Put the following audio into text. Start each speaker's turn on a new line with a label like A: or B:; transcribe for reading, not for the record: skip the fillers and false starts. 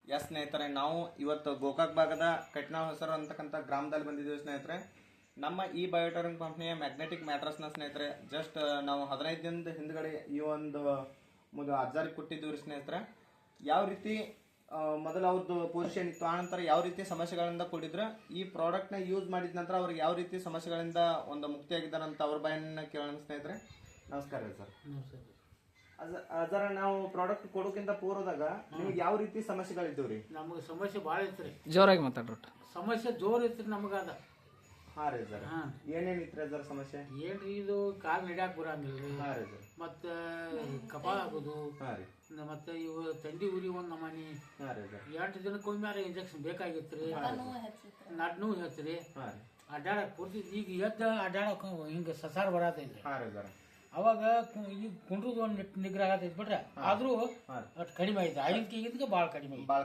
A: S ಸ್ನೇಹಿತರೆ, ನಾವು ಇವತ್ತು ಗೋಕಾಕ್ ಭಾಗದ ಕಟ್ನಾಳ್ ಹೊಸರು ಅಂತಕ್ಕಂಥ ಗ್ರಾಮದಲ್ಲಿ ಬಂದಿದ್ದೀವಿ ಸ್ನೇಹಿತರೆ. ನಮ್ಮ ಈ ಬಯೋಟರಿಂಗ್ ಕಂಪ್ನಿಯ ಮ್ಯಾಗ್ನೆಟಿಕ್ ಮ್ಯಾಟ್ರಸ್ನ ಸ್ನೇಹಿತರೆ ಜಸ್ಟ್ ನಾವು 15 ದಿನದ ಹಿಂದ್ಗಡೆ ಈ ಒಂದು ಅಜ್ಜಾರಿಗೆ ಕೊಟ್ಟಿದ್ದೀವಿ ಸ್ನೇಹಿತರೆ. ಯಾವ ರೀತಿ ಮೊದಲು ಅವ್ರದ್ದು ಪೊಸಿಷನ್ ಇತ್ತು, ಆನಂತರ ಯಾವ ರೀತಿ ಸಮಸ್ಯೆಗಳಿಂದ ಕೂಡಿದ್ರೆ ಈ ಪ್ರಾಡಕ್ಟ್ನ ಯೂಸ್ ಮಾಡಿದ ನಂತರ ಅವ್ರಿಗೆ ಯಾವ ರೀತಿ ಸಮಸ್ಯೆಗಳಿಂದ ಒಂದು ಮುಕ್ತಿಯಾಗಿದ್ದಾರಂತ ಅವ್ರ ಬಾಯನ್ನ ಕೇಳೋಣ ಸ್ನೇಹಿತರೆ. ನಮಸ್ಕಾರ ಸರ್. ಅದರ ನಾವು ಪ್ರಾಡಕ್ಟ್ ಕೊಡೋಕ್ಕಿಂತ ಪೂರ್ವದಾಗ ನಿಮ್ಗೆ ಯಾವ ರೀತಿ ಸಮಸ್ಯೆಗಳಿದ್ದೀವ್ರಿ?
B: ನಮಗೆ ಸಮಸ್ಯೆ ಭಾಳ ಐತ್ರಿ.
C: ಜೋರಾಗಿ ಮಾತಾಡ್ರಿ.
B: ಸಮಸ್ಯೆ ಜೋರ್ ಐತ್ರಿ ನಮಗದ.
A: ಹಾ ರೀ ಸರ್. ಏನೇನಿತ್ರಿ ಅದರ ಸಮಸ್ಯೆ?
B: ಏನ್ರಿ ಇದು ಕಾಲ್ ನಡ್ಯಾಕ್ ಬರಂಗಿಲ್ರಿ.
A: ಹಾ ರೀ ಸರ್.
B: ಮತ್ತೆ ಕಪಾಳ ಆಗೋದು.
A: ಹಾ ರೀ.
B: ಮತ್ತೆ ಇವು ತಂಡಿ ಉರಿ ಒಂದ್ ನಮನಿ.
A: ಹಾ ರೀ ಸರ್.
B: 8 ದಿನಕ್ಕೊಮ್ಮೆ ಇಂಜೆಕ್ಷನ್ ಬೇಕಾಗಿತ್ರಿ. ನಡ್ನು ಹೆಚ್ಚ್ರಿ.
A: ಹಾ ರೀ.
B: ಅಡ್ಡಾಡಕ್ ಪೂರ್ತಿ ಈಗ ಎದ್ದ ಅಡ್ಡಾಡಕ್ ಹಿಂಗ ಸಸಾರ ಬರತೈತ್ರಿ.
A: ಹಾ ರೀ ಸರ್.
B: ಅವಾಗ ಈಗ ಕುಂಡ್ರದು ಒಂದ್ ನಿಗ್ರಹ ಆಗತೈತಿ ಬಿಟ್ರೆ ಆದ್ರೂ ಅಷ್ಟು ಕಡಿಮೆ ಐತೆ. ಆಗಿದ್ಕೆ ಭಾಳ ಕಡಿಮೆ ಐತಿ.